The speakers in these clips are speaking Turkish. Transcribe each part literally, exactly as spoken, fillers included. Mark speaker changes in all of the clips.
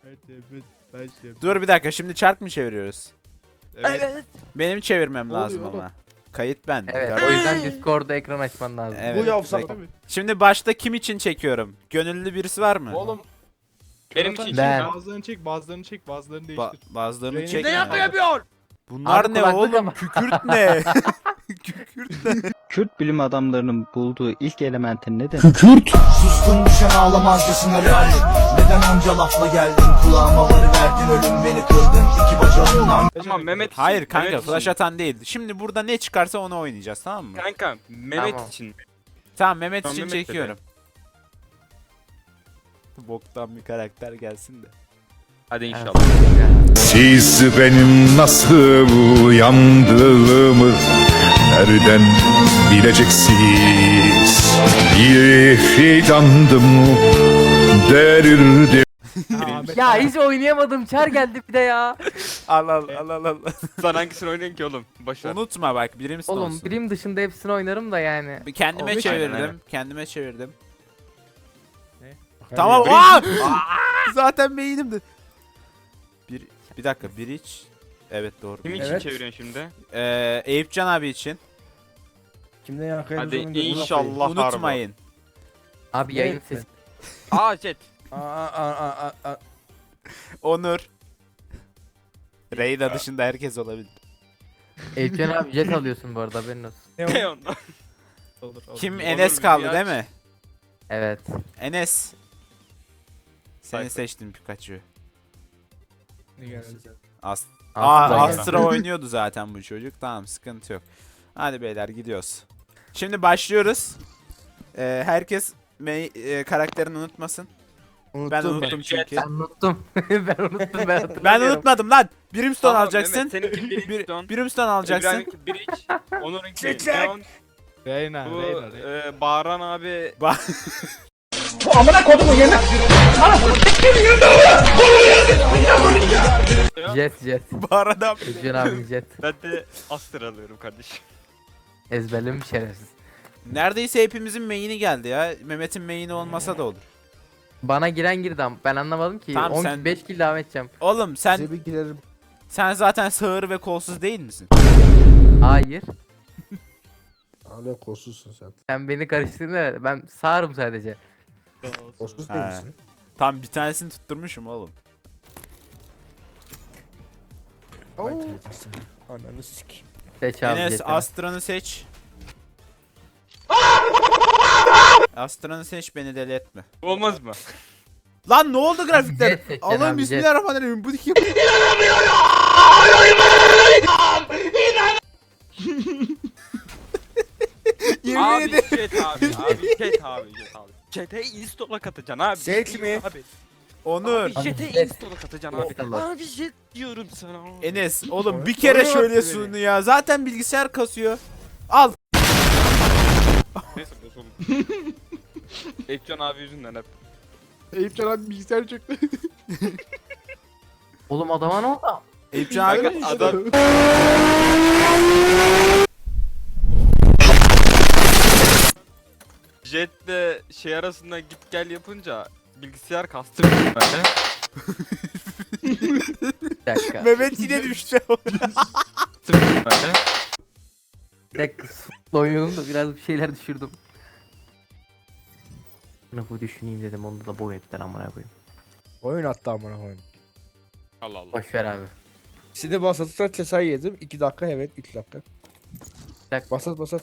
Speaker 1: Dur bir dakika, şimdi çark mı çeviriyoruz?
Speaker 2: Evet.
Speaker 1: Benim çevirmem
Speaker 3: Ne
Speaker 1: lazım
Speaker 3: oluyor
Speaker 1: ama. Kayıt ben.
Speaker 2: Evet, o yüzden Discord'da ekran açman lazım.
Speaker 1: Evet.
Speaker 3: Bu yapsak
Speaker 1: Bekle.
Speaker 3: değil mi?
Speaker 1: Şimdi başta kim için çekiyorum? Gönüllü birisi var mı?
Speaker 3: Oğlum.
Speaker 4: Benim
Speaker 3: Köratan
Speaker 4: için
Speaker 3: çek,
Speaker 2: Ben.
Speaker 3: Bazılarını çek, bazılarını çek, bazılarını
Speaker 1: Ba
Speaker 3: değiştir.
Speaker 1: bazılarını
Speaker 3: Reyna-
Speaker 1: çek.
Speaker 3: Ne
Speaker 4: yapıyor?
Speaker 1: Bunlar
Speaker 2: Abi
Speaker 1: ne
Speaker 2: kulaklık
Speaker 1: oğlum?
Speaker 2: ama.
Speaker 1: Kükürt ne? Kükürt ne?
Speaker 5: Kürt bilim adamlarının bulduğu ilk elementin ne demek?
Speaker 6: Sustun düşen ağlamazcasına lanet. Neden onca lafla geldin kulağıma varıverdin. Ölüm beni kırdın iki bacağımdan.
Speaker 4: Tamam Mehmet için.
Speaker 1: Hayır kanka,
Speaker 4: Mehmet
Speaker 1: flash
Speaker 4: için.
Speaker 1: atan değil. Şimdi burada ne çıkarsa onu oynayacağız, tamam mı?
Speaker 4: Kanka Mehmet
Speaker 2: Tamam.
Speaker 4: için.
Speaker 1: Tamam, Mehmet
Speaker 4: Tamam,
Speaker 1: için
Speaker 4: Mehmet dedi.
Speaker 1: çekiyorum. Boktan bir karakter gelsin de.
Speaker 4: Hadi
Speaker 2: Evet.
Speaker 4: inşallah.
Speaker 7: Siz benim nasıl uyandığımı nereden bileceksiniz? Bir fidandım derirdim.
Speaker 2: Ya hiç oynayamadım. Çar geldi bir de ya.
Speaker 1: Al al al al al.
Speaker 4: Sen hangisini oynuyorsun ki oğlum? Boşver.
Speaker 1: Unutma bak, birim
Speaker 2: Oğlum
Speaker 1: olsun.
Speaker 2: birim dışında hepsini oynarım da yani.
Speaker 1: Bir kendime
Speaker 2: Olmuş.
Speaker 1: çevirdim.
Speaker 4: Aynen, aynen.
Speaker 1: Kendime çevirdim.
Speaker 3: Ne?
Speaker 1: Tamam. Aa! Zaten beynimdi. Bir bir dakika, bir iç. Evet doğru.
Speaker 4: Kim için
Speaker 3: Evet.
Speaker 4: çeviriyorsun şimdi?
Speaker 1: Ee, Eyüpcan abi için.
Speaker 3: Kimden yakayım?
Speaker 4: Hadi inşallah.
Speaker 1: Unutmayın.
Speaker 2: Abi yayın sesi.
Speaker 4: Aa jet.
Speaker 3: Aa aa aa aa.
Speaker 1: Onur. Reyna dışında herkes olabilir.
Speaker 2: Elçen abi jet alıyorsun bu arada, haberin olsun.
Speaker 4: Ne ondan?
Speaker 3: Olur olur.
Speaker 1: Kim?
Speaker 4: Onur
Speaker 1: Enes
Speaker 4: bir
Speaker 1: kaldı
Speaker 4: aç.
Speaker 1: değil mi?
Speaker 2: Evet.
Speaker 1: Enes. Seni
Speaker 4: Sayfa.
Speaker 1: seçtim Pikachu.
Speaker 3: Ne geldi?
Speaker 1: As
Speaker 2: Aslı
Speaker 1: Aa,
Speaker 2: geldi.
Speaker 1: Astra oynuyordu zaten bu çocuk. Tamam, sıkıntı yok. Hadi beyler, gidiyoruz. Şimdi başlıyoruz. Ee, herkes me- e, karakterini unutmasın.
Speaker 3: Unuttum
Speaker 1: Ben unuttum çünkü.
Speaker 2: Ben unuttum. ben unuttum ben hatırlamıyorum.
Speaker 1: Ben unutmadım lan. Brimstone
Speaker 4: Tamam,
Speaker 1: alacaksın.
Speaker 4: Mehmet, seninki
Speaker 1: Bir,
Speaker 4: Brimstone.
Speaker 1: Brimstone alacaksın.
Speaker 4: İbrahim'inki Bridge. Onur'unki
Speaker 3: Çek, çek.
Speaker 4: Leon.
Speaker 3: Reyna,
Speaker 4: Bu
Speaker 3: Reyna, Reyna.
Speaker 4: e, Bağıran abi.
Speaker 2: Jet jet.
Speaker 1: Bu arada
Speaker 2: Elçen abi jet.
Speaker 4: Ben de Astra alıyorum kardeşim.
Speaker 2: Ezberlemiş şerefsiz.
Speaker 1: neredeyse hepimizin main'i geldi ya. Mehmet'in main'i olmasa da olur.
Speaker 2: Bana giren girdi ama ben anlamadım ki.
Speaker 1: Tamam,
Speaker 2: on,
Speaker 1: sen-
Speaker 2: beş kill devam edeceğim.
Speaker 1: Oğlum sen
Speaker 3: Size bir girerim.
Speaker 1: sen zaten sağır ve kolsuz değil misin?
Speaker 2: Hayır.
Speaker 3: Hala kolsuzsun sen.
Speaker 2: Sen beni karıştırdın, evet. Ben sağırım sadece.
Speaker 3: Kolsuz
Speaker 1: Ha.
Speaker 3: değil misin?
Speaker 1: Tam bir tanesini tutturmuşum oğlum.
Speaker 3: Vay teyzesi. Ananı sikeyim.
Speaker 2: Seç abi
Speaker 1: Enes
Speaker 2: jetini.
Speaker 1: Astra'nı seç. Astra'nı seç, beni deli etme.
Speaker 4: Olmaz mı?
Speaker 1: Lan ne oldu grafikler?
Speaker 2: Jet seçeceksin
Speaker 1: Allah'ım
Speaker 2: abi, jet.
Speaker 1: bismillahirrahmanirrahim. Bu kim? Yemin
Speaker 4: Abi
Speaker 1: ederim.
Speaker 4: jet abi. Abi jet abi jet abi. Jet'e install'a katacaksın abi.
Speaker 3: Jet mi?
Speaker 4: Abi.
Speaker 1: Onur.
Speaker 4: Abi jet'e
Speaker 2: Jet.
Speaker 4: install'a katacaksın abi.
Speaker 2: İnşallah.
Speaker 4: Abi jet diyorum sana.
Speaker 1: Enes oğlum bir
Speaker 3: Oraya
Speaker 1: kere
Speaker 3: attı
Speaker 1: şöyle
Speaker 3: beni.
Speaker 1: sunu ya. Zaten bilgisayar kasıyor. Al.
Speaker 4: Neyse bozuldu. Ekcan abi yüzünden hep.
Speaker 3: Eyüpcan abi bilgisayar çöktü.
Speaker 2: Oğlum adama ne oldu?
Speaker 1: Eyüpcan abi.
Speaker 4: Kanka adam jetle şey arasında git gel yapınca bilgisayar kastı böyle.
Speaker 2: Bir dakika.
Speaker 1: Mehmet yine düştü.
Speaker 4: böyle.
Speaker 2: Bir dakika. Sutla oynadım da biraz bir şeyler düşürdüm. Bunu bu düşüneyim dedim, onda da boy ettiler amına koyayım.
Speaker 3: Oyun attı amına koyayım.
Speaker 4: Allah Allah.
Speaker 2: Boş ver abi.
Speaker 3: Şimdi basatı cesay yedim. iki dakika evet üç dakika.
Speaker 2: dakika.
Speaker 3: Basat basat.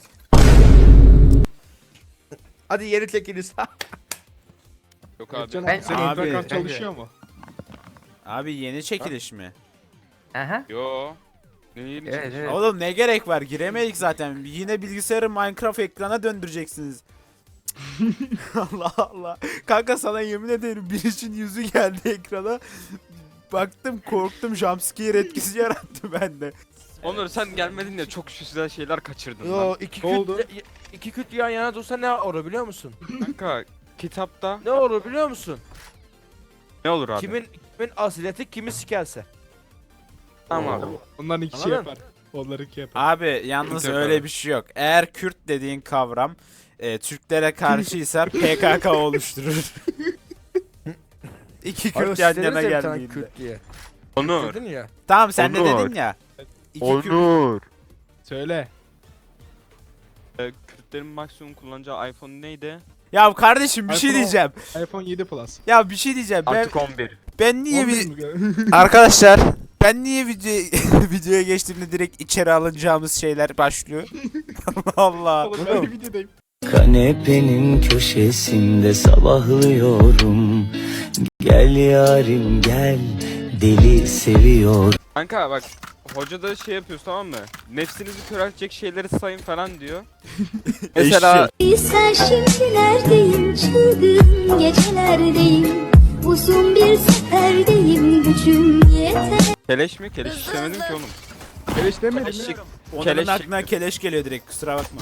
Speaker 3: Hadi yeni tekiniz.
Speaker 4: Yok abi.
Speaker 3: Eyüpcan
Speaker 2: Ben-
Speaker 3: abi senin
Speaker 1: Abi,
Speaker 3: internet
Speaker 2: kanka.
Speaker 3: çalışıyor mu?
Speaker 1: Abi yeni çekiliş mi?
Speaker 2: Aha.
Speaker 4: Yo. Ne yeni
Speaker 2: Evet,
Speaker 4: çıkmış?
Speaker 2: evet.
Speaker 1: Oğlum ne gerek var? Giremedik zaten. Yine bilgisayarı Minecraft ekrana döndüreceksiniz. Allah Allah. Kanka sana yemin ederim birisinin yüzü geldi ekrana. Baktım, korktum, jumpscare etkisi yarattı bende.
Speaker 4: Onur sen gelmedin ya, çok güzel şeyler kaçırdın
Speaker 3: Yo
Speaker 4: lan.
Speaker 3: iki
Speaker 8: Ne oldu?
Speaker 3: küt iki küt yan yana dursa ne olur biliyor musun?
Speaker 4: Kanka kitapta
Speaker 3: Ne olur biliyor musun?
Speaker 4: ne olur abi?
Speaker 3: Kimin kimin asileti kimi sikerse.
Speaker 4: Tamam abi.
Speaker 8: Onların iki
Speaker 3: Anladın?
Speaker 8: yapar. Onları iki yapar.
Speaker 1: Abi yalnız
Speaker 4: Yok
Speaker 1: öyle
Speaker 4: abi.
Speaker 1: bir şey yok. Eğer Kürt dediğin kavram e, Türklere karşıysa P K K oluşturur. İki
Speaker 3: Hayır,
Speaker 1: Kürt yan
Speaker 3: siz
Speaker 1: yana
Speaker 3: dediniz ya bir tane
Speaker 1: geldiğinde.
Speaker 3: Kürt diye.
Speaker 4: Onur.
Speaker 3: Dedin ya.
Speaker 1: Tamam sen de
Speaker 4: Onur.
Speaker 1: dedin ya. İki Kürt.
Speaker 4: Onur.
Speaker 8: Söyle.
Speaker 4: Ee, Kürtlerin maksimum kullanacağı iPhone neydi?
Speaker 1: Ya kardeşim bir şey
Speaker 8: iPhone on.
Speaker 1: diyeceğim.
Speaker 8: iPhone yedi Plus.
Speaker 1: Ya bir şey diyeceğim. Ben
Speaker 4: Artık on bir.
Speaker 1: ben niye
Speaker 8: on bir
Speaker 1: bir
Speaker 8: mi gö-
Speaker 1: arkadaşlar ben niye video videoya geçtiğimde direkt içeri alınacağımız şeyler başlıyor? Allah Allah.
Speaker 8: Oğlum ben bir videodayım.
Speaker 9: Kanepenin köşesinde sabahlıyorum. Gel yarim gel, deli seviyor.
Speaker 4: Kanka bak hoca da şey yapıyoruz tamam mı? Nefsinizi köreltecek şeyleri sayın falan diyor. Mesela
Speaker 10: Sen şimdi neredeyim, çılgın gecelerdeyim. Uzun bir seferdeyim, gücüm yeter.
Speaker 4: keleş mi? Keleş istemedim ki oğlum.
Speaker 8: Keleş demedim mi?
Speaker 4: Keleşlik.
Speaker 1: Onların
Speaker 4: Keleş
Speaker 1: aklına keleş geliyor direkt kusura bakma.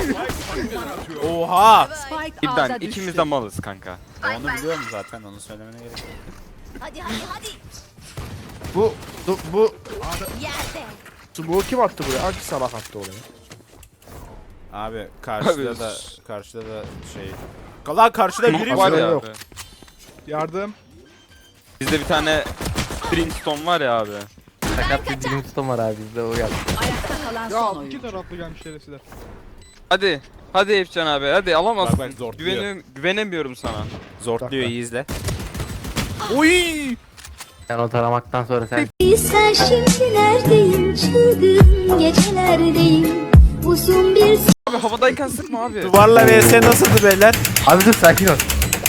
Speaker 1: Oha.
Speaker 4: İbden ikimiz de malız kanka.
Speaker 1: Onu biliyorum zaten onu söylemene gerek yok.
Speaker 10: Hadi hadi hadi.
Speaker 3: Bu bu, bu
Speaker 10: Yerde.
Speaker 3: smoke'u kim attı buraya? Hangi salak attı oraya?
Speaker 1: Abi karşıda
Speaker 4: Abi,
Speaker 1: da karşıda da şey. Lan karşıda biri
Speaker 4: Smoke
Speaker 1: var.
Speaker 4: var ya
Speaker 3: yok.
Speaker 4: abi.
Speaker 8: Yardım.
Speaker 4: Bizde bir tane Brimstone var ya abi.
Speaker 2: Sakat bir dilim tutam var abi bizde o yaptı.
Speaker 8: Ya iki taraflı gelmiş şerefsizler.
Speaker 4: Hadi. Hadi Efcan abi hadi alamazsın.
Speaker 1: Bak bak, zorluyor.
Speaker 4: Güvenim, güvenemiyorum sana.
Speaker 1: Zortluyor iyi izle. Oy!
Speaker 2: Sen o taramaktan sonra sen
Speaker 10: Sen şimdi neredeyim, çılgın gecelerdeyim. Uzun bir
Speaker 4: Abi havadayken sıkma abi.
Speaker 1: Duvarla vs nasıldı beyler?
Speaker 2: abi dur sakin ol.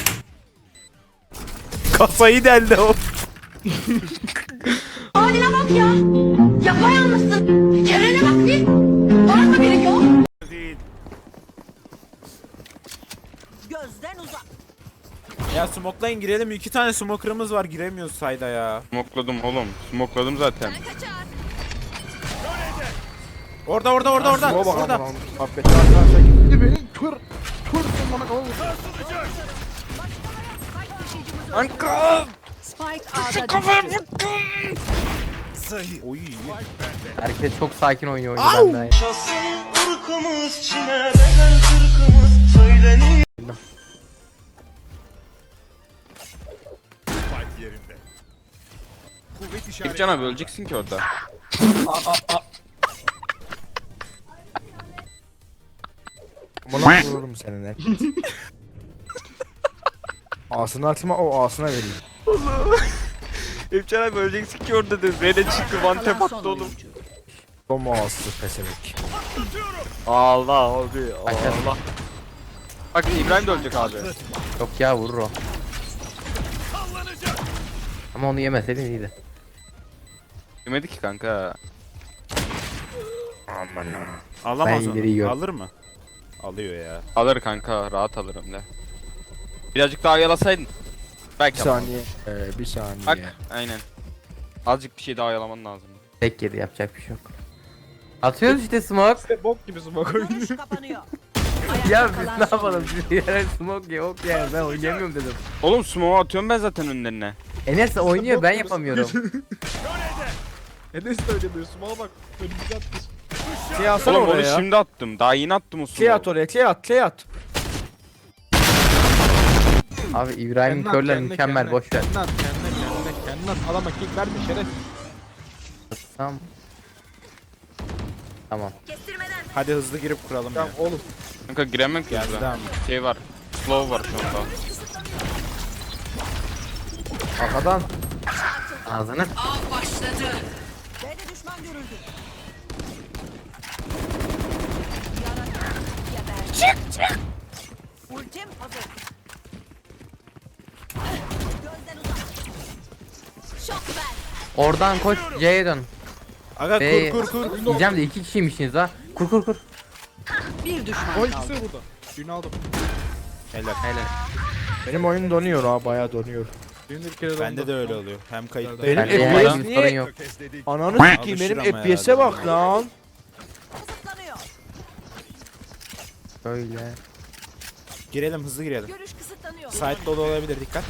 Speaker 1: Kafayı deldi o.
Speaker 10: haline bak ya. Yapayalnızsın. Çevrene bak bir. Var mı biri yok? Gözden uzak.
Speaker 1: Ya smoklayın girelim. İki tane smoker'ımız var giremiyoruz sayda ya.
Speaker 4: Smokladım oğlum. Smokladım zaten.
Speaker 1: Orada orada orada orada.
Speaker 3: Smoke'a bak
Speaker 1: Orada.
Speaker 3: aman affet. Arkadaşlar gitti beni. Kır. Kır. Bana kavur.
Speaker 4: Anka!
Speaker 10: Spike A'da
Speaker 1: Oy.
Speaker 2: Herkes çok sakin oynuyor oyunu benden.
Speaker 4: Efcan abi öleceksin ki orada.
Speaker 3: Bana vururum seninle. Ağzını atma o ağzına vereyim.
Speaker 4: Efcan abi öleceksin ki orada dedi. Rene çıktı one tap attı oğlum.
Speaker 3: Tom ağzı pesemek.
Speaker 4: Allah abi.
Speaker 2: Aşağı.
Speaker 4: Allah. Bak İbrahim de ölecek abi.
Speaker 2: Yok ya vurur o. Ama onu yemeseydin iyiydi.
Speaker 4: Yemedi ki kanka.
Speaker 1: Alamaz
Speaker 2: Ben
Speaker 1: onu.
Speaker 2: ileri yiyorum.
Speaker 1: Alır mı? Alıyor ya.
Speaker 4: Alır kanka rahat alırım de. Birazcık daha yalasaydın.
Speaker 3: Bir
Speaker 4: Belki alamam.
Speaker 3: saniye. Ee, bir saniye.
Speaker 4: Bak aynen. Azıcık bir şey daha yalaman lazım.
Speaker 2: Tek yedi yapacak bir şey yok. Atıyoruz işte smoke.
Speaker 8: İşte bok gibi smoke oynuyor.
Speaker 2: Ya biz ne yapalım? Biz yere smoke yok yani ben oynayamıyorum dedim.
Speaker 4: Oğlum smoke atıyorum ben zaten önlerine.
Speaker 2: Enes oynuyor ben
Speaker 8: Bok gibi
Speaker 2: yapamıyorum.
Speaker 8: Enes de öyle diyor. Smoke'a bak. Önümüze atmış.
Speaker 3: Şey atsana
Speaker 4: Oğlum onu
Speaker 3: oraya.
Speaker 4: şimdi attım. Daha yeni attım o
Speaker 3: Şey at
Speaker 4: smoke'u.
Speaker 3: oraya. Şey at. Şey at.
Speaker 2: Abi İbrahim
Speaker 8: Kendine at,
Speaker 2: körler
Speaker 8: kendine,
Speaker 2: mükemmel
Speaker 8: kendine,
Speaker 2: boş ver.
Speaker 8: Kendine at kendine kendine kendine at. Adama kick verme şeref.
Speaker 2: Tamam. Tamam.
Speaker 1: Hadi hızlı girip kuralım ya.
Speaker 8: Tamam oğlum.
Speaker 4: Kanka giremem ki
Speaker 1: Geldi
Speaker 4: hızlı.
Speaker 1: devam.
Speaker 4: Şey var. Slow var şu anda.
Speaker 3: Arkadan.
Speaker 2: Ağzını.
Speaker 10: B'de düşman görüldü. Çık çık. Ultim hazır. Gözden uzak. Şok ver.
Speaker 2: Oradan koş C'ye dön.
Speaker 1: Aga
Speaker 2: Be-
Speaker 1: kur kur kur.
Speaker 2: Diyeceğim de iki kişiymişsiniz ha. Kur kur kur.
Speaker 10: Bir düşman
Speaker 8: O ikisi burada. Birini aldım.
Speaker 1: Helal.
Speaker 2: Helal.
Speaker 3: Benim oyun donuyor ha. Bayağı donuyor.
Speaker 8: Birini bir kere
Speaker 1: Bende
Speaker 8: dondu.
Speaker 1: de öyle oluyor. Hem kayıtta.
Speaker 3: Benim
Speaker 2: Bende
Speaker 3: F P
Speaker 2: herhangi
Speaker 3: S
Speaker 2: bir sorun
Speaker 3: niye?
Speaker 2: yok.
Speaker 3: Ananı sikeyim
Speaker 1: Alışır
Speaker 3: benim
Speaker 1: ama
Speaker 3: F P S'e
Speaker 1: herhalde.
Speaker 3: bak lan.
Speaker 10: kısıtlanıyor.
Speaker 2: Böyle.
Speaker 1: Girelim hızlı girelim.
Speaker 10: Görüş kısıtlanıyor.
Speaker 1: Site dolu olabilir dikkat.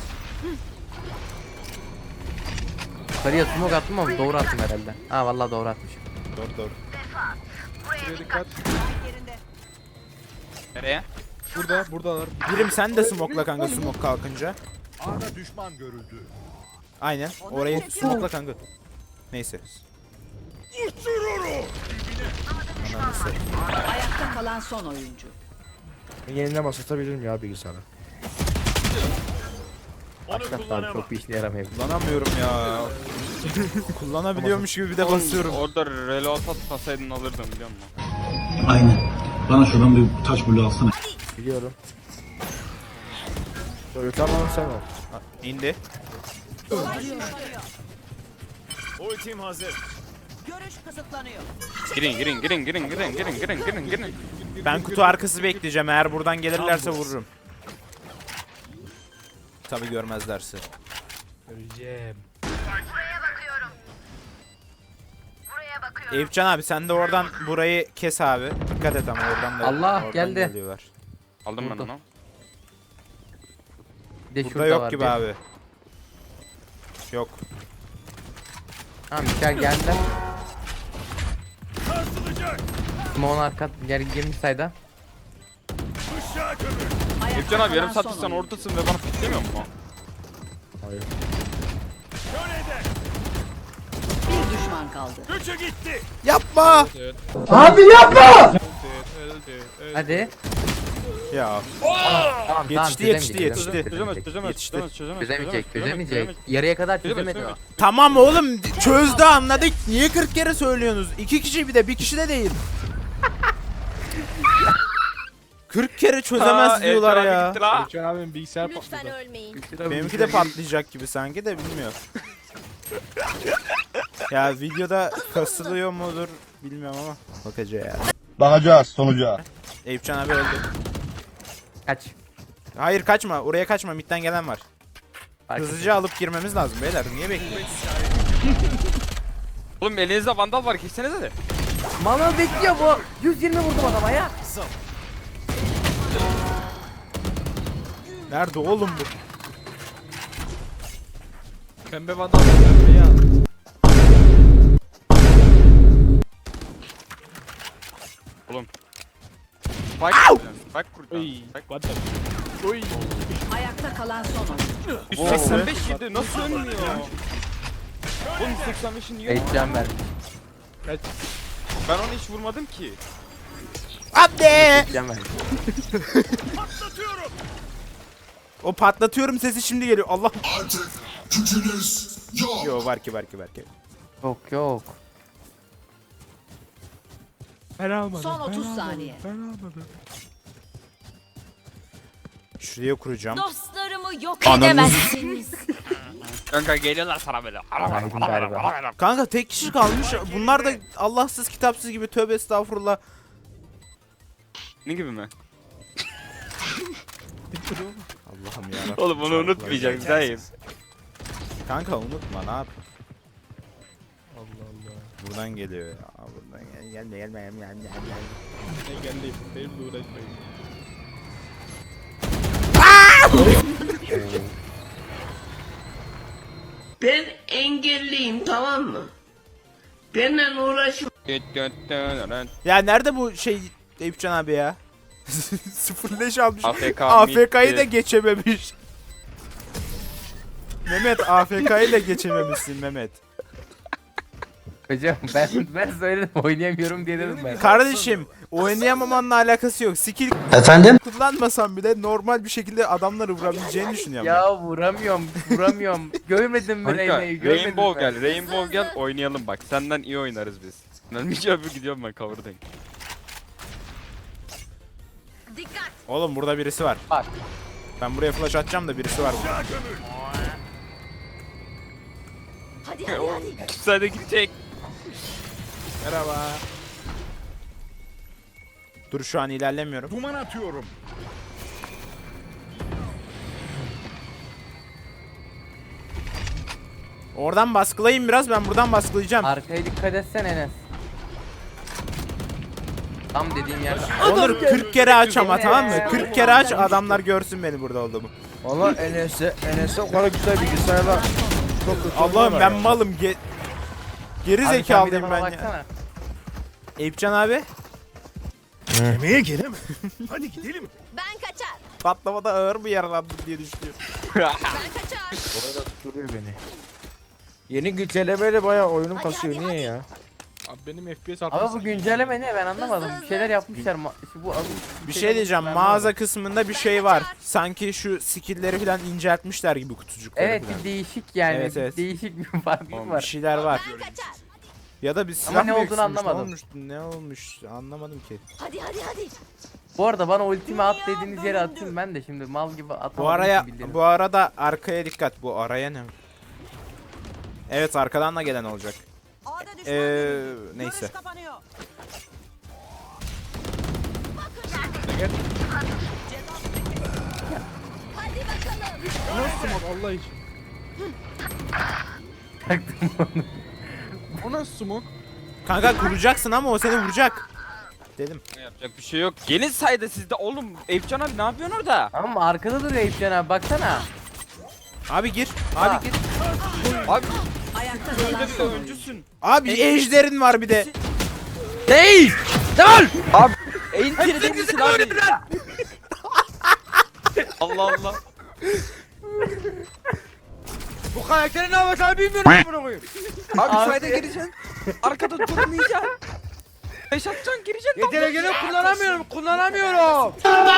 Speaker 2: Yukarıya smoke attım ama doğru attım herhalde. Ha vallahi doğru atmışım.
Speaker 1: Doğru doğru.
Speaker 8: Buraya dikkat.
Speaker 10: Yerinde.
Speaker 4: Nereye?
Speaker 8: Burada buradalar.
Speaker 1: Birim sen de smoke'la kanka smoke kalkınca.
Speaker 7: A'da düşman görüldü.
Speaker 1: Aynen. Orayı smoke'la kanka. Neyse. Ananı satayım.
Speaker 10: Ayakta kalan son oyuncu.
Speaker 3: Ben yeniden basatabilirim ya bilgisayarı.
Speaker 2: Başlat abi çok bir işine yaramıyor.
Speaker 1: Kullanamıyorum ya. Kullanabiliyormuş gibi bir de
Speaker 4: Oğlum,
Speaker 1: basıyorum.
Speaker 4: Orada reload atmasaydın alırdım biliyor musun?
Speaker 6: Aynen. Bana şuradan bir taş bulu alsana.
Speaker 3: Biliyorum. Toyota mı sen ol.
Speaker 1: Ha, İndi.
Speaker 10: Görüş kısıtlanıyor.
Speaker 4: Girin girin girin girin girin girin girin girin girin.
Speaker 1: Ben kutu arkası bekleyeceğim. Eğer buradan gelirlerse vururum. Tabi görmezlerse.
Speaker 3: Öleceğim.
Speaker 1: Eyüpcan abi sen de oradan burayı kes abi. Dikkat et ama oradan da
Speaker 2: Allah,
Speaker 1: oradan
Speaker 2: geldi.
Speaker 1: geliyorlar.
Speaker 4: Aldım ben
Speaker 2: Vurdu.
Speaker 4: onu.
Speaker 2: Bir de
Speaker 1: Burada
Speaker 2: şurada
Speaker 1: yok
Speaker 2: var
Speaker 1: gibi
Speaker 2: bir.
Speaker 1: abi. Yok.
Speaker 2: Tamam Mikael geldi. Simon arka yer girmiş sayda.
Speaker 4: Efcan abi yarım saattir sen oradasın ve bana piklemiyor musun?
Speaker 3: Hayır.
Speaker 10: Bir düşman kaldı.
Speaker 1: Yapma.
Speaker 8: Öldü, öldü, öldü.
Speaker 2: Hadi.
Speaker 1: Ya.
Speaker 2: Tamam
Speaker 1: Yetişti,
Speaker 2: tamam
Speaker 1: yetişti,
Speaker 2: çözemeyecek,
Speaker 1: yetişti.
Speaker 2: çözemeyecek,
Speaker 4: Çözemez çözemez
Speaker 1: Yetişti.
Speaker 4: çözemez çözemez
Speaker 2: Çözemeyecek, çözemeyecek.
Speaker 4: çözemeyecek.
Speaker 2: Yarıya kadar
Speaker 4: Çözemez,
Speaker 2: çözemedi o.
Speaker 4: çözemez.
Speaker 1: Tamam oğlum çözdü anladık. Niye kırk kere söylüyorsunuz? İki kişi bir de bir kişi de değil. kırk kere çözemez
Speaker 4: Aa,
Speaker 1: diyorlar
Speaker 4: Efcan abi
Speaker 1: ya.
Speaker 4: gitti la.
Speaker 8: Efcan abinin bilgisayar patladı.
Speaker 10: ölmeyin.
Speaker 1: Benimki de patlayacak gibi sanki de bilmiyorum. Ya videoda kasılıyor mudur bilmiyorum ama bakacağız ya.
Speaker 6: Bakacağız sonuca.
Speaker 1: Eyüpcan abi öldü.
Speaker 2: Kaç.
Speaker 1: Hayır kaçma oraya kaçma midden gelen var.
Speaker 2: Fark
Speaker 1: Hızlıca alıp girmemiz lazım beyler niye bekliyorsunuz?
Speaker 4: Oğlum elinizde vandal var kessenize de.
Speaker 2: Manuel bekliyor bu. yüz yirmi vurdum adama ya.
Speaker 1: Nerede oğlum bu?
Speaker 8: Pembe vandal pembeyi al.
Speaker 4: Oğlum. Spike kuracaksın. Spike kuracaksın.
Speaker 8: Oy.
Speaker 4: Spike.
Speaker 8: What the? Oy.
Speaker 10: Ayakta kalan son oyuncu.
Speaker 4: yüz seksen beş yedi nasıl ölmüyor? Oğlum yüz seksen beşin niye?
Speaker 2: Heyecan vermiş.
Speaker 8: Kaç.
Speaker 4: Ben onu hiç vurmadım ki.
Speaker 1: Hadi!
Speaker 2: Heyecan vermiş.
Speaker 1: O patlatıyorum sesi şimdi geliyor. Allah. Yo var ki var ki var ki.
Speaker 2: Yok yok.
Speaker 8: Ben almadım.
Speaker 10: Son
Speaker 8: ben
Speaker 10: otuz
Speaker 8: almadım,
Speaker 10: saniye.
Speaker 8: Ben almadım.
Speaker 1: Şuraya kuracağım.
Speaker 10: Dostlarımı yok
Speaker 1: Ananı-
Speaker 10: edemezsiniz.
Speaker 4: Kanka geliyorlar sana böyle.
Speaker 2: Aydın galiba.
Speaker 1: Kanka tek kişi kalmış. Bunlar da Allahsız kitapsız gibi tövbe estağfurullah.
Speaker 4: Ne gibi mi?
Speaker 1: Allah'ım ya.
Speaker 4: Oğlum onu unutmayacağım dayım.
Speaker 1: Kanka unutma ne yap?
Speaker 8: Allah Allah.
Speaker 1: Buradan geliyor ya. Buradan gel gelme gelme gelme gelme gelme.
Speaker 8: Ben geldim. Benimle uğraşmayın.
Speaker 11: Ben engelliyim, tamam mı? Benimle uğraşma.
Speaker 1: Ya nerede bu şey Eyüpcan abi ya? Sıfır leş almış.
Speaker 4: A F K
Speaker 1: A F K'yı
Speaker 4: bitti.
Speaker 1: da geçememiş. Mehmet A F K'yı da geçememişsin Mehmet.
Speaker 2: Hocam ben ben söyledim oynayamıyorum diye dedim ben.
Speaker 1: Kardeşim oynayamamanla alakası yok. Skill
Speaker 9: Efendim?
Speaker 1: kullanmasan bile normal bir şekilde adamları vurabileceğini düşünüyorum. ben.
Speaker 2: Ya vuramıyorum, vuramıyorum. Görmedim mi
Speaker 4: Kanka
Speaker 2: Reyna'yı? Görmedim
Speaker 4: Rainbow
Speaker 2: ben.
Speaker 4: gel, Rainbow gel oynayalım bak. Senden iyi oynarız biz. Ölmeyeceğim bir gidiyorum ben cover'dayım.
Speaker 10: Dikkat.
Speaker 1: Oğlum burada birisi var.
Speaker 2: Bak.
Speaker 1: Ben buraya flash atacağım da birisi var burada.
Speaker 10: Hadi hadi hadi.
Speaker 4: Sen de gidecek.
Speaker 1: Merhaba. Dur şu an ilerlemiyorum.
Speaker 7: Duman atıyorum.
Speaker 1: Oradan baskılayayım biraz ben buradan baskılayacağım.
Speaker 2: Arkaya dikkat etsen Enes. Tam dediğim yerde.
Speaker 1: Onur kırk kere aç ama tamam mı? kırk kere aç adamlar görsün beni burada olduğumu.
Speaker 3: Valla Enes'e Enes'e o kadar güzel bilgisayarlar. Çok kötü
Speaker 1: Allah'ım
Speaker 3: oynuyorlar
Speaker 1: ben
Speaker 3: ya.
Speaker 1: malım. Ge Geri
Speaker 2: Abi sen bir de
Speaker 1: zekalıyım
Speaker 2: bana
Speaker 1: ben ya.
Speaker 2: baksana.
Speaker 1: Eyüpcan abi
Speaker 7: Yemeğe gelem. Hadi gidelim.
Speaker 10: Ben kaçar.
Speaker 1: patlamada ağır mı yaralandım diye düşünüyorum.
Speaker 10: Ben kaçar.
Speaker 3: Orada tutturuyor beni. Yeni güncellemeyle bayağı oyunum
Speaker 10: Hadi,
Speaker 3: kasıyor.
Speaker 10: hadi,
Speaker 3: Niye ya?
Speaker 8: Abi benim F P S
Speaker 2: Ama bu
Speaker 8: altmış.
Speaker 2: güncelleme ne ben anlamadım. Bir şeyler yapmışlar. Ma- şu bu
Speaker 1: Bir şey diyeceğim, mağaza kısmında bir şey var. Sanki şu skill'leri falan inceltmişler gibi kutucukları
Speaker 2: Evet
Speaker 1: falan.
Speaker 2: bir değişik yani.
Speaker 1: Evet,
Speaker 2: bir
Speaker 1: evet.
Speaker 2: değişik bir farklılık
Speaker 1: Oğlum, bir
Speaker 2: var.
Speaker 1: şeyler var.
Speaker 10: Ben kaçar.
Speaker 1: Ya da bir silah
Speaker 2: Ama ne
Speaker 1: mı
Speaker 2: olduğunu
Speaker 1: eksilmiş,
Speaker 2: anlamadım.
Speaker 1: Ne olmuş? Ne olmuş? Anlamadım ki.
Speaker 10: Hadi hadi hadi.
Speaker 2: Bu arada bana ultimi at dediğiniz yere atayım ben de şimdi mal gibi atamadım.
Speaker 1: Bu araya,
Speaker 2: ki bildiğiniz.
Speaker 1: bu arada arkaya dikkat. Bu araya ne? Evet, arkadan da gelen olacak. Eee neyse.
Speaker 10: Hadi bakalım.
Speaker 8: Nasıl smoke Allah için? O nasıl smoke?
Speaker 1: Kanka kuracaksın ama o seni vuracak. Dedim.
Speaker 4: Yapacak bir şey yok. Gelin sayda sizde oğlum. Eyüpcan abi ne yapıyorsun orada?
Speaker 2: Ama arkada duruyor Eyüpcan abi baksana.
Speaker 1: Abi gir. Abi gir.
Speaker 4: Abi
Speaker 10: Ayakta
Speaker 4: önde
Speaker 10: kalan
Speaker 4: bir de
Speaker 10: son oyuncu.
Speaker 4: öncüsün.
Speaker 1: Abi ejderin var bir de.
Speaker 2: Değil!
Speaker 4: Abi en tiri değilsin abi. Allah Allah.
Speaker 3: Bu karakteri ne yapacağını bilmiyorum bunu koyayım.
Speaker 4: Abi,
Speaker 2: Abi.
Speaker 4: sayda gireceksin. Arkada durmayacaksın. Beş atacaksın gireceksin.
Speaker 3: Yeteneğini kullanamıyorum, kullanamıyorum.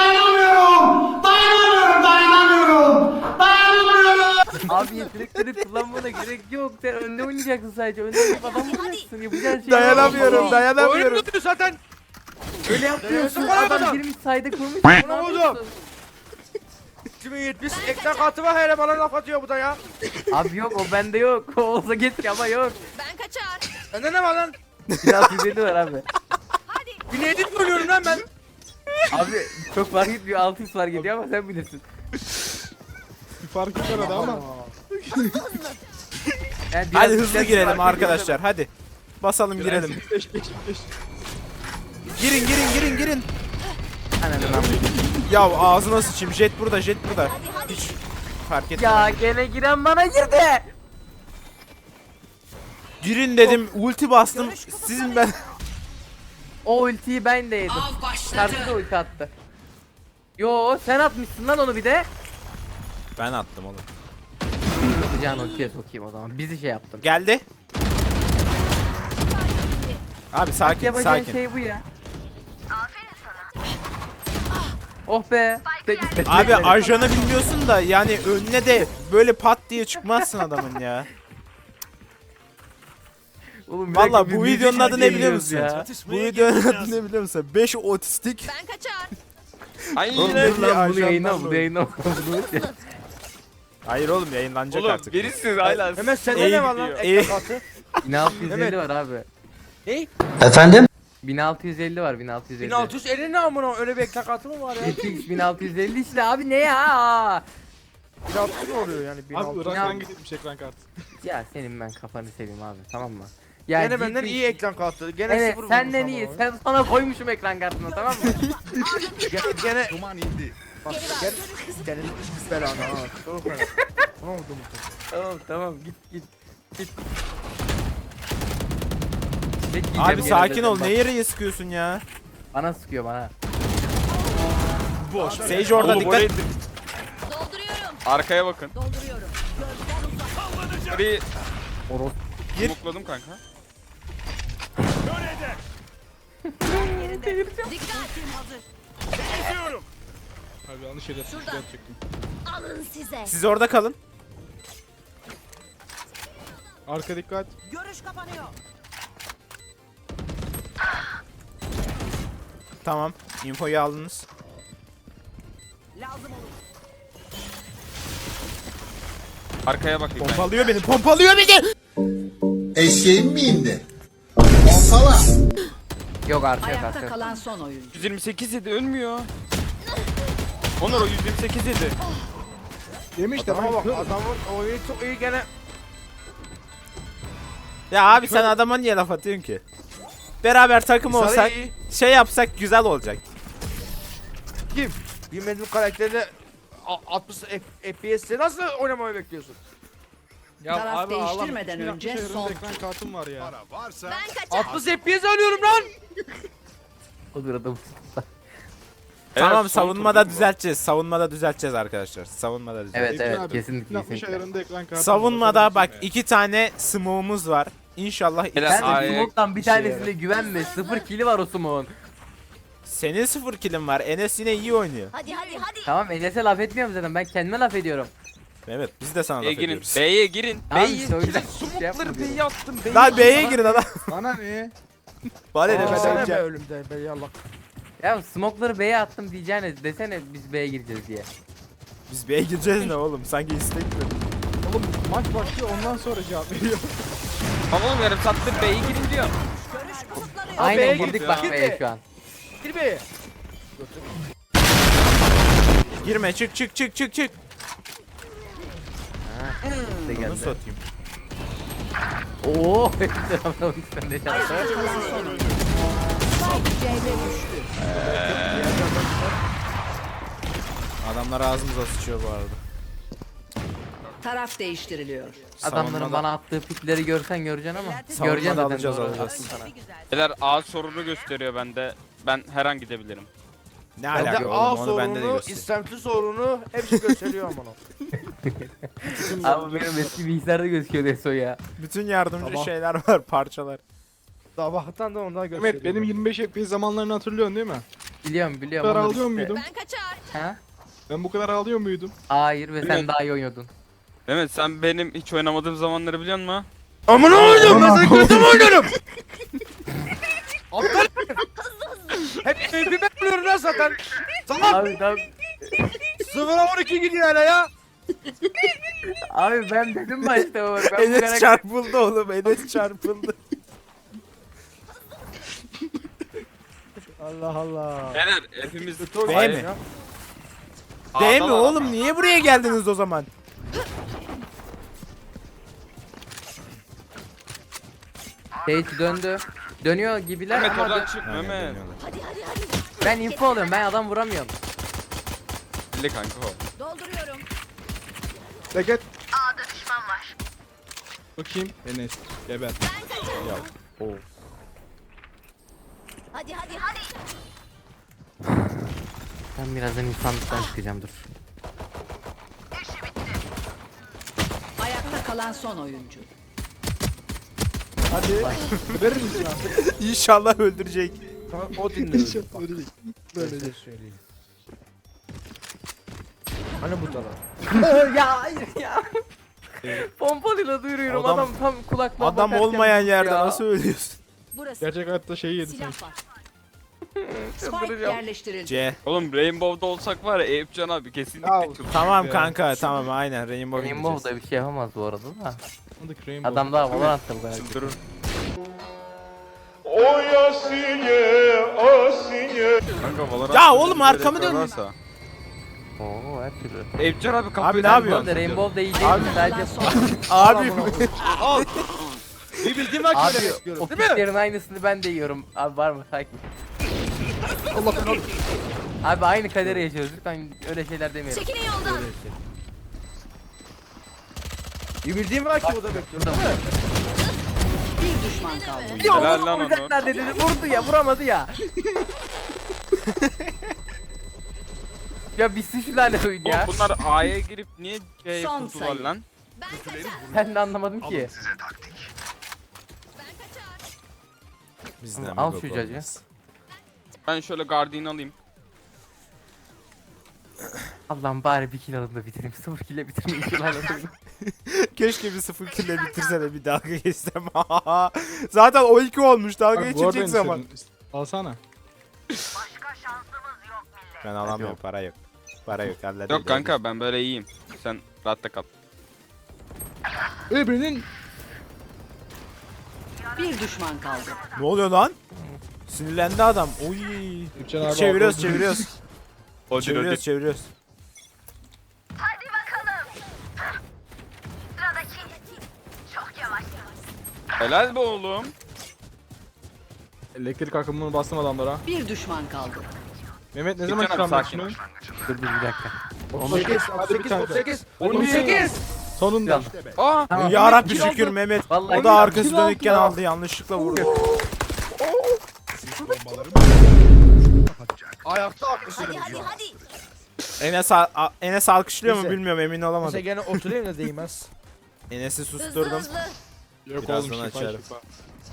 Speaker 2: Abi yetenekleri kullanmana gerek yok. Sen önde oynayacaksın sadece. Önde oynayıp adam vuracaksın. Yapacağın şey
Speaker 1: Dayanamıyorum,
Speaker 3: Oyun
Speaker 1: dayanamıyorum.
Speaker 3: tutuyor zaten.
Speaker 2: Öyle yapıyorsun.
Speaker 3: Dayanamıyorum.
Speaker 2: Adam girmiş sayda kurmuş.
Speaker 3: Ne
Speaker 2: Ne
Speaker 3: oldu?
Speaker 2: yapıyorsun?
Speaker 3: iki bin yetmiş ekran kartı var hele bana laf atıyor bu da ya.
Speaker 2: Abi yok o bende yok. O olsa geç ama yok.
Speaker 10: Ben kaçar.
Speaker 3: Bende ne var lan?
Speaker 2: Biraz yüzeli var abi.
Speaker 3: bin yedi mi oynuyorum lan ben?
Speaker 2: Abi çok fark etmiyor. altı yüz fark ediyor ama sen bilirsin.
Speaker 8: Bir farkı var arada ama.
Speaker 2: Yani biraz
Speaker 1: Hadi hızlı
Speaker 2: güzel
Speaker 1: girelim
Speaker 2: fark ediyor.
Speaker 1: arkadaşlar. Hadi. Basalım girelim.
Speaker 8: Beş beş beş.
Speaker 1: Girin girin girin girin.
Speaker 2: Ananı lan.
Speaker 1: Ya ağzına sıçayım. Jet burada, jet burada. Hiç fark etmedim.
Speaker 2: Ya gene giren bana girdi.
Speaker 1: Girin dedim. Ulti bastım. Sizin ben.
Speaker 2: O ultiyi ben de yedim. Karşı da ulti attı. Yo sen atmışsın lan onu bir de.
Speaker 1: Ben attım oğlum.
Speaker 2: Can ultiye sokayım o zaman. Bizi şey yaptın.
Speaker 1: Geldi. Abi sakin
Speaker 2: Yapacağın
Speaker 1: sakin.
Speaker 2: şey bu ya. Oh be.
Speaker 1: Abi ajanı bilmiyorsun da yani önüne de böyle pat diye çıkmazsın adamın ya.
Speaker 2: Oğlum, bir dakika,
Speaker 1: Valla
Speaker 2: biz
Speaker 1: bu
Speaker 2: müzik
Speaker 1: videonun adı ne biliyor
Speaker 2: dinliyoruz
Speaker 1: musun?
Speaker 2: ya.
Speaker 1: Bu videonun adı ne biliyor musun? beş otistik.
Speaker 10: Ben kaçar.
Speaker 4: Aynen.
Speaker 1: Oğlum,
Speaker 2: Dur lan bunu
Speaker 1: ajanlarla
Speaker 2: yayınla bunu
Speaker 1: oyun.
Speaker 2: yayınla. Bunu-
Speaker 1: Hayır oğlum yayınlanacak
Speaker 4: Oğlum
Speaker 1: artık.
Speaker 4: verirsiniz hala.
Speaker 3: Hemen sende
Speaker 1: İyi
Speaker 3: ne var lan
Speaker 1: gidiyor.
Speaker 3: ekran kartı?
Speaker 2: bin altı yüz elli
Speaker 3: Evet.
Speaker 2: var abi.
Speaker 3: Ne?
Speaker 9: Efendim?
Speaker 2: bin altı yüz elli var bin altı yüz elli.
Speaker 3: bin altı yüz elli ne amına öyle bir ekran kartı mı var ya?
Speaker 2: G T X bin altı yüz elli işte abi ne ya?
Speaker 3: bin altı yüz mi oluyor yani? bin altı
Speaker 8: Abi
Speaker 3: yüz.
Speaker 8: Irak'tan gitmiş ekran kartı.
Speaker 2: Ya senin ben kafanı seveyim abi tamam mı? Ya
Speaker 3: Gene
Speaker 2: G T
Speaker 3: benden
Speaker 2: X
Speaker 3: iyi ekran kartı. Gene
Speaker 2: Evet
Speaker 3: sıfır
Speaker 2: senden
Speaker 3: vurmuş
Speaker 2: iyi.
Speaker 3: ama.
Speaker 2: Sen sana koymuşum ekran kartına tamam mı?
Speaker 3: Gene, gene... Duman indi. Bak gene... Senin belanı ha. Çok fena. Ne oldu bu?
Speaker 2: tamam tamam git git. Git. Tek yiyeceğim
Speaker 1: Abi
Speaker 2: gene
Speaker 1: sakin
Speaker 2: zaten,
Speaker 1: ol.
Speaker 2: bak.
Speaker 1: Ne yere sıkıyorsun ya?
Speaker 2: Bana sıkıyor bana.
Speaker 1: Sage orada
Speaker 4: Oğlum,
Speaker 1: dikkat.
Speaker 4: orayı-
Speaker 10: Dolduruyorum.
Speaker 4: Arkaya bakın.
Speaker 10: Dolduruyorum.
Speaker 4: Orayı
Speaker 2: Oros.
Speaker 1: Gir.
Speaker 4: smokladım kanka.
Speaker 10: Dikkat.
Speaker 8: Abi yanlış yere
Speaker 10: Şuradan.
Speaker 8: yapacaktım.
Speaker 10: Alın size.
Speaker 1: Siz orada kalın.
Speaker 8: Arka dikkat.
Speaker 1: Tamam. Infoyu aldınız.
Speaker 4: Arkaya bakayım ben.
Speaker 1: Pompalıyor beni. Pompalıyor beni.
Speaker 6: Eşeğin mi indi? Pompala.
Speaker 2: Yok artık yok
Speaker 10: Ayakta
Speaker 2: artık.
Speaker 10: kalan son oyuncu.
Speaker 4: yüz yirmi sekiz yedi ölmüyor. Onur o yüz yirmi sekiz yedi.
Speaker 8: Demiş de
Speaker 3: Adama
Speaker 8: ben
Speaker 3: bak adamın oyunu çok iyi gene.
Speaker 1: Ya abi sen adama niye laf atıyorsun ki? Beraber takım
Speaker 3: Sarı
Speaker 1: olsak,
Speaker 3: iyi.
Speaker 1: şey yapsak güzel olacak.
Speaker 3: Kim? Bilmediğim karakterle a- altmış F P S'te nasıl oynamayı bekliyorsun?
Speaker 8: Ya
Speaker 10: Taraf
Speaker 8: abi,
Speaker 10: değiştirmeden
Speaker 8: ağlam.
Speaker 10: önce
Speaker 8: İki bin altmış
Speaker 10: son
Speaker 8: ekran kartım var ya.
Speaker 10: Ben kaçar.
Speaker 3: altmış F P S alıyorum lan.
Speaker 2: O bir adam.
Speaker 1: Tamam,
Speaker 4: son
Speaker 1: savunmada
Speaker 4: tur bu.
Speaker 1: düzelteceğiz. Savunmada düzelteceğiz arkadaşlar. Savunmada düzelteceğiz.
Speaker 2: Evet
Speaker 8: Eyüp
Speaker 2: evet
Speaker 8: abi,
Speaker 2: kesinlikle
Speaker 8: altmış
Speaker 2: kesinlikle.
Speaker 8: ayarında ekran kartı.
Speaker 1: Savunmada bak
Speaker 8: var.
Speaker 1: iki tane smoke'umuz var. İnşallah
Speaker 4: Helal.
Speaker 2: Sen de
Speaker 4: Ay,
Speaker 2: smoke'tan bir
Speaker 1: işe
Speaker 2: tanesine güvenme. Sıfır kili var o smoke'un.
Speaker 1: senin sıfır kilin var. Enes yine iyi oynuyor.
Speaker 10: Hadi hadi hadi.
Speaker 2: Tamam Enes'e laf etmiyorum zaten. Ben kendime laf ediyorum.
Speaker 1: Evet, biz de sana laf
Speaker 4: B'ye girin.
Speaker 1: ediyoruz.
Speaker 4: B'ye girin.
Speaker 2: Tamam,
Speaker 4: B'ye
Speaker 2: işte o yüzden
Speaker 4: girin.
Speaker 2: şey
Speaker 4: Sumukları
Speaker 2: yapma diyorum.
Speaker 4: B'ye attım. B'ye
Speaker 1: Lan
Speaker 4: attım.
Speaker 1: B'ye girin adam.
Speaker 8: Bana ne?
Speaker 1: Bana ne
Speaker 3: Aa,
Speaker 1: ben
Speaker 3: be
Speaker 1: öleceğim.
Speaker 3: ölümde be yallah.
Speaker 2: Ya smoke'ları B'ye attım diyeceğine desene biz B'ye gireceğiz diye.
Speaker 1: Biz B'ye gireceğiz ne oğlum? Sanki istek mi?
Speaker 8: Oğlum maç başlıyor ondan sonra cevap veriyor.
Speaker 4: Tamam oğlum yarım saattir B'ye girin diyor.
Speaker 2: Aynen
Speaker 3: B'ye
Speaker 2: girdik
Speaker 3: git
Speaker 2: bak
Speaker 3: ya.
Speaker 2: B'ye şu an.
Speaker 3: Gir be.
Speaker 1: Girme, çık çık çık çık çık.
Speaker 2: İşte
Speaker 1: Bunu
Speaker 2: geldi.
Speaker 1: satayım.
Speaker 2: Oo. Sen de şansı.
Speaker 1: Adamlar ağzımıza sıçıyor bu arada.
Speaker 10: Taraf değiştiriliyor.
Speaker 2: Adamların
Speaker 1: Savunmada-
Speaker 2: bana attığı pikleri görsen göreceksin ama.
Speaker 1: Savunmada
Speaker 2: Göreceksin zaten
Speaker 1: alacağız,
Speaker 2: doğru.
Speaker 1: alacağız.
Speaker 2: Attım sana.
Speaker 4: Beyler A sorunu gösteriyor bende. Ben her an gidebilirim.
Speaker 1: Ne
Speaker 3: Bende
Speaker 1: alaka
Speaker 3: A
Speaker 1: oğlum, onu bende de
Speaker 3: sorunu,
Speaker 1: göster.
Speaker 3: istemsiz sorunu hepsi gösteriyor ama.
Speaker 2: Abi benim eski bilgisayarda gözüküyor Deso ya.
Speaker 1: Bütün yardımcı
Speaker 3: Tamam.
Speaker 1: şeyler var, parçalar.
Speaker 3: Sabahtan da ondan gösteriyor.
Speaker 8: Mehmet benim yirmi beş F P S zamanlarını hatırlıyorsun değil mi?
Speaker 2: Biliyorum
Speaker 8: Bu
Speaker 2: biliyorum.
Speaker 8: kadar
Speaker 2: onları
Speaker 8: ağlıyor
Speaker 2: işte.
Speaker 8: muydum?
Speaker 10: Ben kaçar.
Speaker 2: Ha?
Speaker 8: Ben bu kadar ağlıyor muydum?
Speaker 2: Hayır ve sen
Speaker 4: Evet.
Speaker 2: daha iyi oynuyordun.
Speaker 4: Mehmet sen benim hiç oynamadığım zamanları biliyor musun?
Speaker 3: Amına oynayacağım ben sana kötü mü oynarım? Aptal. Hep hep ben buluyorum lan zaten. Salak.
Speaker 2: Abi tamam.
Speaker 3: sıfıra on iki gidiyor hala ya.
Speaker 2: Abi ben dedim başta o. Ben bu
Speaker 1: Enes
Speaker 2: karakter-
Speaker 1: çarpıldı oğlum, Enes çarpıldı.
Speaker 3: Allah Allah.
Speaker 4: Beyler hepimiz
Speaker 1: B mi? Değil mi oğlum? Niye buraya geldiniz o zaman?
Speaker 2: Sage döndü. Dönüyor gibiler
Speaker 4: Mehmet
Speaker 2: ama
Speaker 4: oradan
Speaker 2: dö-
Speaker 4: çık
Speaker 1: Aynen,
Speaker 4: Mehmet.
Speaker 1: dönüyorlar.
Speaker 10: Hadi hadi hadi.
Speaker 2: ben info alıyorum. Ben adam vuramıyorum.
Speaker 4: Belli kanka o.
Speaker 10: Dolduruyorum.
Speaker 8: Deket. A'da düşman var. Bakayım. Enes. Geber.
Speaker 10: Hadi hadi hadi.
Speaker 2: Ben birazdan insanlıktan çıkacağım dur.
Speaker 10: Ayakta kalan son oyuncu.
Speaker 8: Hadi. Verir misin artık?
Speaker 1: İnşallah öldürecek.
Speaker 3: O dinliyor.
Speaker 8: Ölecek.
Speaker 3: Böyle de söyleyeyim. Hani bu taraf?
Speaker 2: ya hayır ya. Pompalıyla duyuruyorum adam,
Speaker 1: Adam-
Speaker 2: tam kulaklığa
Speaker 1: Adam
Speaker 2: bakarken
Speaker 1: olmayan yerde
Speaker 2: ya.
Speaker 1: nasıl ölüyorsun?
Speaker 10: Burası.
Speaker 8: Gerçek hayatta şeyi yedi sen.
Speaker 10: Silah var. Spike
Speaker 2: Çıldıracağım.
Speaker 10: yerleştirildi.
Speaker 1: C.
Speaker 4: Oğlum Rainbow'da olsak var ya Eyüp Can abi kesinlikle
Speaker 8: Ya,
Speaker 4: çıldırır.
Speaker 1: Tamam
Speaker 8: Ya.
Speaker 1: kanka, tamam aynen Rainbow
Speaker 2: Rainbow
Speaker 1: gideceğiz.
Speaker 2: da bir şey yapamaz bu arada da.
Speaker 8: Hadi Rainbow.
Speaker 2: Adam daha Valorant'ta bu kadar.
Speaker 4: Çıldırır. Kanka Valorant
Speaker 1: Ya
Speaker 4: böyle
Speaker 1: oğlum,
Speaker 4: bir
Speaker 1: arkamı
Speaker 4: rekor
Speaker 1: döndüm.
Speaker 4: varsa.
Speaker 2: Oo her türlü.
Speaker 4: Eyüp Can abi
Speaker 1: Abi
Speaker 4: kapıyı
Speaker 1: ne
Speaker 2: Bu
Speaker 1: yapıyorsun?
Speaker 2: arada Rainbow da iyi değil
Speaker 1: Abi-
Speaker 2: mi? Sadece
Speaker 1: Abi
Speaker 3: Bir bildiğim var ki
Speaker 2: Abi
Speaker 3: öyle
Speaker 2: o
Speaker 3: bekliyorum. Değil mi?
Speaker 2: piklerin aynısını ben de yiyorum. Abi var mı? Sakin. Abi aynı kaderi yaşıyoruz. Lütfen öyle şeyler demeyelim.
Speaker 10: Çekilin yoldan.
Speaker 3: Bir bildiğim var ki o da bekliyorum. Değil mi?
Speaker 10: Bir düşman kaldı.
Speaker 2: Ya
Speaker 4: Helal
Speaker 2: onu
Speaker 4: lan
Speaker 2: vuracaklar dedi. Vurdu ya vuramadı ya. ya bitsin şu lanet oyun
Speaker 4: Oğlum
Speaker 2: ya.
Speaker 4: bunlar A'ya girip niye C'ye
Speaker 10: Son
Speaker 4: kurdular
Speaker 10: sayı.
Speaker 4: lan?
Speaker 2: Ben de anlamadım ki.
Speaker 1: bizden
Speaker 2: Al
Speaker 1: bir
Speaker 2: şu
Speaker 1: bok
Speaker 2: cacı.
Speaker 1: olmaz.
Speaker 4: Ben şöyle Guardian alayım.
Speaker 2: Allah'ım bari bir kill alın da bitireyim. Sıfır kill'e bitirmeyin şu lanet oyunu.
Speaker 1: Keşke bir sıfır kille bitirse de bir dalga geçsem. Zaten o iki olmuş, dalga
Speaker 8: Bak, bu arada
Speaker 1: geçecek zaman.
Speaker 8: istedim. Alsana.
Speaker 1: Ben alamıyorum, para yok. Para yok, halledeyim.
Speaker 4: Yok kanka ben böyle iyiyim. Sen rahatta kal.
Speaker 8: Öbürünün
Speaker 10: Bir düşman kaldı.
Speaker 1: Ne oluyor lan? Sinirlendi adam. Oy.
Speaker 8: Üpçen abi
Speaker 1: Çeviriyoruz,
Speaker 8: aldı.
Speaker 1: çeviriyoruz.
Speaker 4: Odin
Speaker 1: çeviriyoruz,
Speaker 4: Odin.
Speaker 1: çeviriyoruz.
Speaker 4: Helal be oğlum.
Speaker 8: Elektrik akımını bastım adamlara.
Speaker 10: Bir düşman kaldı.
Speaker 8: Mehmet ne
Speaker 4: Bir
Speaker 8: zaman
Speaker 4: tane
Speaker 8: çıkarmak
Speaker 4: sakin.
Speaker 8: şunu?
Speaker 2: Dur dur bir dakika.
Speaker 3: otuz sekiz,
Speaker 8: Hadi bir
Speaker 3: otuz sekiz,
Speaker 8: tane.
Speaker 3: otuz sekiz,
Speaker 8: Hadi
Speaker 3: otuz sekiz.
Speaker 8: Sonunda.
Speaker 4: Aa!
Speaker 2: Tamam.
Speaker 1: Ya Rabbi
Speaker 2: Kill
Speaker 1: şükür
Speaker 2: oldu.
Speaker 1: Mehmet.
Speaker 2: Vallahi
Speaker 1: O da arkası
Speaker 8: kill aldı
Speaker 1: dönükken
Speaker 8: ya.
Speaker 1: aldı, yanlışlıkla vurdu.
Speaker 3: Ayakta alkışlıyorum.
Speaker 10: Hadi hadi hadi.
Speaker 1: Enes, a- a- Enes alkışlıyor mu
Speaker 3: Neyse.
Speaker 1: bilmiyorum, emin
Speaker 3: Mesela
Speaker 1: olamadım.
Speaker 3: gene oturayım da değmez.
Speaker 1: Enes'i
Speaker 10: Hızlı
Speaker 1: susturdum.
Speaker 10: hızlı.
Speaker 8: Yok
Speaker 1: Birazdan
Speaker 8: oğlum şifa
Speaker 1: açarım.
Speaker 8: şifa.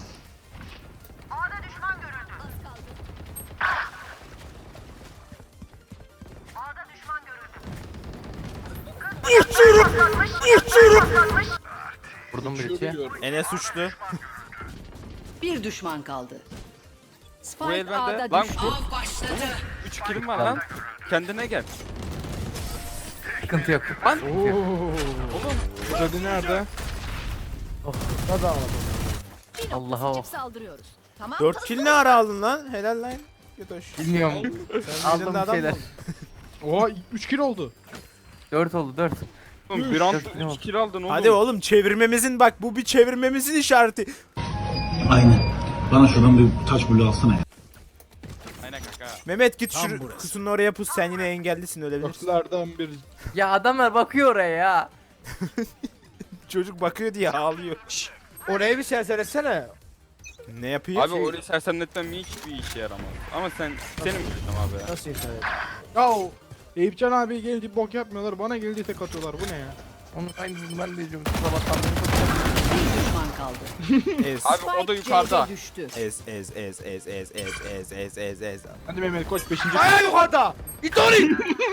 Speaker 2: Vurdum bir
Speaker 8: Şurada
Speaker 2: içi.
Speaker 8: diyorum.
Speaker 1: Enes uçtu.
Speaker 10: Bir düşman kaldı.
Speaker 4: Bu
Speaker 10: Spike
Speaker 4: el bende.
Speaker 10: A'da
Speaker 4: Lan
Speaker 10: düştü.
Speaker 4: üç kilim var lan. Kendine gel.
Speaker 2: Sıkıntı yok.
Speaker 4: Lan.
Speaker 8: Jody nerede?
Speaker 3: Hadi ağladım.
Speaker 10: Bir
Speaker 2: Allah'a
Speaker 10: nokta
Speaker 2: o.
Speaker 10: seçip saldırıyoruz. Tamam.
Speaker 1: dört kill ne ara aldın lan? Helal lan. Götoş.
Speaker 2: Bilmiyorum.
Speaker 1: Sen
Speaker 2: Aldım
Speaker 1: birinde
Speaker 2: bir
Speaker 1: adam
Speaker 2: şeyler.
Speaker 1: mı oldun?
Speaker 8: Oha üç kill oldu.
Speaker 2: dört oldu dört.
Speaker 4: Oğlum bir anda
Speaker 2: Dört kilim
Speaker 4: üç
Speaker 2: oldu.
Speaker 4: kill aldın oğlum.
Speaker 1: Hadi oğlum çevirmemizin, bak bu bir çevirmemizin işareti.
Speaker 6: Aynen. Bana şuradan bir taş bulu alsana ya.
Speaker 4: Aynen kanka.
Speaker 1: Mehmet git
Speaker 6: Tam
Speaker 1: şu
Speaker 6: burası.
Speaker 1: kutunun oraya pus, sen yine engellisin, ölebilirsin.
Speaker 8: Dörtlerden bir.
Speaker 2: Ya adamlar bakıyor oraya ya.
Speaker 1: Çocuk bakıyor diye ağlıyor.
Speaker 3: Oraya bir serseretsene.
Speaker 1: Ne yapıyor?
Speaker 4: Abi orayı sersemletmem hiçbir işe yaramaz. Ama sen senin bilirsin abi ya.
Speaker 3: Nasıl serset?
Speaker 8: Ya o Eyüpcan abi geldi bok yapmıyorlar. Bana geldi tek atıyorlar. Bu ne ya?
Speaker 2: Onun aynısını ben de diyorum. Sabahtan beri
Speaker 10: Bir düşman kaldı.
Speaker 1: Ez.
Speaker 4: Abi o da
Speaker 10: Spike
Speaker 4: yukarıda.
Speaker 10: C'de düştü.
Speaker 1: Ez ez ez ez ez ez ez ez ez ez.
Speaker 8: Hadi Mehmet koç beşinci.
Speaker 3: Ayağı yukarıda. Git oraya.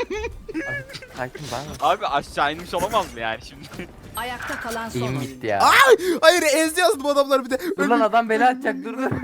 Speaker 2: sakin bana.
Speaker 4: Abi aşağı inmiş olamaz mı yani şimdi?
Speaker 10: Ayakta kalan son
Speaker 2: İyiyim
Speaker 10: oyuncu.
Speaker 2: gitti ya.
Speaker 1: Hayır, ez yazdım adamlar bir de.
Speaker 2: Dur lan adam bela atacak dur dur.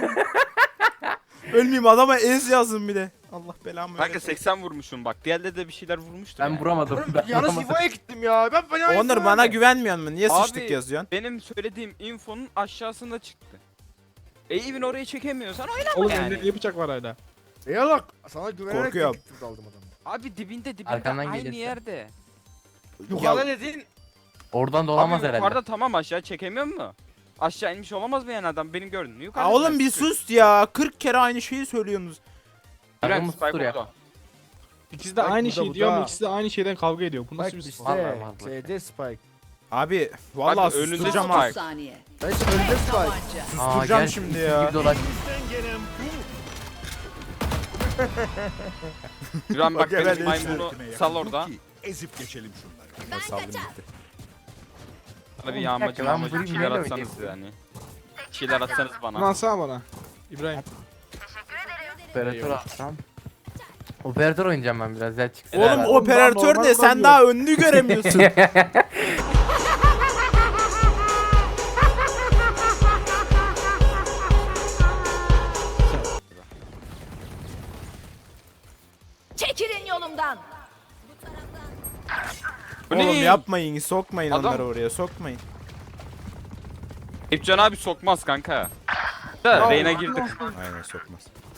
Speaker 1: Ölmeyeyim, adama ez yazdım bir de. Allah belamı
Speaker 4: Kanka
Speaker 1: versin.
Speaker 4: seksen vurmuşum bak. Diğerleri de bir şeyler vurmuştur
Speaker 2: Ben
Speaker 4: yani.
Speaker 2: vuramadım. Ben
Speaker 3: Yalnız
Speaker 2: vuramadım.
Speaker 3: İfo'ya gittim ya. Ben ben
Speaker 1: Onur bana güvenmiyor musun? Niye
Speaker 4: Abi-
Speaker 1: sıçtık yazıyorsun?
Speaker 4: Benim söylediğim infonun aşağısında çıktı. E even orayı çekemiyorsan oynama
Speaker 8: Oğlum
Speaker 4: yani.
Speaker 8: elinde niye bıçak var hala?
Speaker 3: Eyvallah. Sana güvenerek
Speaker 1: Korkuyorum.
Speaker 3: gittim aldım adamı.
Speaker 4: Abi dibinde dibinde
Speaker 2: Arkandan
Speaker 4: aynı
Speaker 2: gelirse.
Speaker 4: yerde.
Speaker 3: Yukarıda dedin.
Speaker 2: Oradan dolamaz
Speaker 4: Abi
Speaker 2: herhalde.
Speaker 4: yukarıda tamam aşağı çekemiyor mu? Aşağı inmiş olamaz mı yani adam benim gördüğüm yukarıda.
Speaker 1: Aa, oğlum bir sus ya. kırk kere aynı şeyi söylüyorsunuz.
Speaker 4: Bülent
Speaker 2: Adamı
Speaker 4: Spike
Speaker 2: sustur ya.
Speaker 4: orada.
Speaker 8: İkisi de
Speaker 3: Bak
Speaker 8: aynı
Speaker 3: bu da,
Speaker 8: şey
Speaker 3: bu
Speaker 8: diyor
Speaker 3: da.
Speaker 8: ama ikisi de aynı şeyden kavga ediyor. Bu nasıl
Speaker 3: Spike
Speaker 8: bir
Speaker 3: işte.
Speaker 2: Var, var, var.
Speaker 3: C'de Spike.
Speaker 1: Abi vallahi
Speaker 4: Abi, önünde
Speaker 1: susturacağım
Speaker 4: Spike.
Speaker 1: ha.
Speaker 10: otuz saniye.
Speaker 3: Ben işte önünde Spike.
Speaker 10: Tabanca.
Speaker 2: Aa,
Speaker 1: Susturacağım
Speaker 2: gel,
Speaker 1: şimdi
Speaker 2: bizim
Speaker 1: ya.
Speaker 2: gibi dolaş.
Speaker 4: Güven bak
Speaker 1: Bak, evet,
Speaker 4: benim maymunu sal orada.
Speaker 6: Ezip geçelim şunları.
Speaker 10: Ben
Speaker 1: Saldım
Speaker 10: kaçar.
Speaker 1: gitti.
Speaker 4: Bana bir
Speaker 2: Oğlum,
Speaker 4: yağmacı
Speaker 2: bir dakika, ben
Speaker 4: yağmacı bir
Speaker 2: vurayım,
Speaker 4: şeyler
Speaker 2: neyle
Speaker 4: atsanız
Speaker 2: oynayayım?
Speaker 4: yani. Bir şeyler atsanız
Speaker 8: Bunu
Speaker 4: bana.
Speaker 8: alsana bana. İbrahim.
Speaker 2: Operatör alsam. Operatör oynayacağım ben biraz ya çıksın.
Speaker 1: Oğlum
Speaker 8: Ondan
Speaker 1: operatör
Speaker 8: normal
Speaker 1: ne? Sen
Speaker 8: kullanmıyor.
Speaker 1: daha önünü göremiyorsun.
Speaker 10: Çekilin yolumdan.
Speaker 4: Bu
Speaker 1: Oğlum
Speaker 4: ne?
Speaker 1: yapmayın, sokmayın
Speaker 4: Adam-
Speaker 1: onları oraya, sokmayın.
Speaker 4: Eyüpcan abi sokmaz kanka. Da Reyna girdi.
Speaker 1: Aynen sokmaz.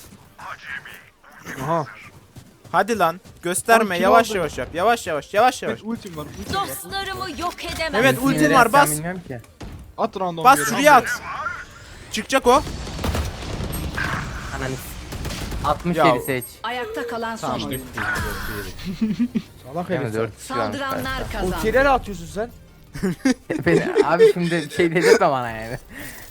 Speaker 8: Aha.
Speaker 1: Hadi lan gösterme,
Speaker 8: Ay, kim
Speaker 1: yavaş
Speaker 8: oldu?
Speaker 1: yavaş yap. Yavaş yavaş yavaş yavaş.
Speaker 8: Evet ultim var. Ultim var.
Speaker 10: Dostlarımı yok edemem.
Speaker 1: Evet,
Speaker 2: Sinirlen-
Speaker 1: ultim var,
Speaker 2: sen
Speaker 1: bas.
Speaker 2: Bilmiyorum ki.
Speaker 8: At random
Speaker 1: Bas
Speaker 8: bir yere.
Speaker 1: şuraya at. Çıkacak o.
Speaker 2: Ananı. altmış
Speaker 1: Ya-
Speaker 2: yedi seç.
Speaker 10: Ayakta kalan son
Speaker 1: Tamam.
Speaker 10: oyuncu.
Speaker 3: Salak
Speaker 2: Yani
Speaker 3: herif.
Speaker 2: dört kişi varmış
Speaker 10: Saldıranlar
Speaker 2: karşıda.
Speaker 3: O
Speaker 10: kazandı.
Speaker 3: kirleri atıyorsun sen.
Speaker 2: Beni, abi şimdi şey dedirtme bana yani.